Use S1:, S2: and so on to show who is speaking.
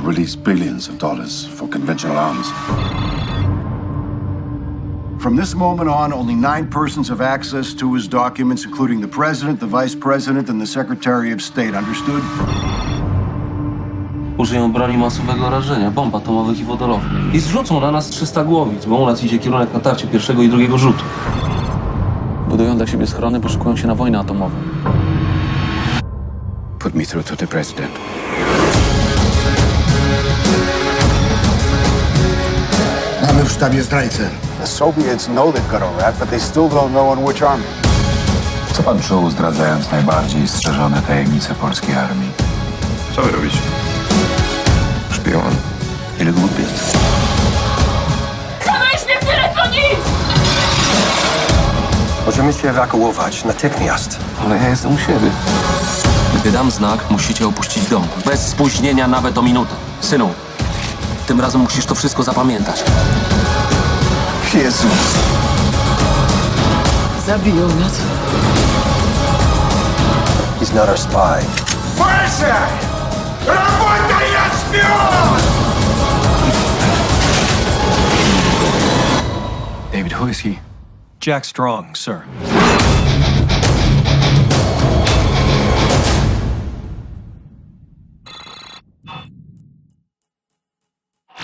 S1: release billions of dollars for conventional arms.
S2: From this moment on, only 9 persons have access to his documents, including the President, the Vice President, and the Secretary of State. Understood?
S3: Użyją broni masowego rażenia, bomb atomowych i wodorowych. I zrzucą na nas 300 głowic, bo u nas idzie kierunek natarcia pierwszego i drugiego rzutu.
S4: Budują dla siebie schrony, bo szykują się na wojnę atomową.
S5: Put me through to the president.
S2: Mamy w sztabie zdrajcę.
S6: The Soviets know they've got a rat, but they still don't know on which army.
S5: Co pan czuł, zdradzając najbardziej strzeżone tajemnice polskiej armii?
S1: Co wy robicie?
S5: Szpion. Ile głupiec?
S7: Zamyślmy w telefonii!
S8: Możemy się ewakuować natychmiast.
S5: Ale ja jestem u siebie.
S3: Gdy dam znak, musicie opuścić dom. Bez spóźnienia nawet o minutę. Synu, tym razem musisz to wszystko zapamiętać.
S5: Jezu.
S7: Zabiją nas.
S8: He's not our spy.
S5: David, who is he?
S9: Jack Strong, sir.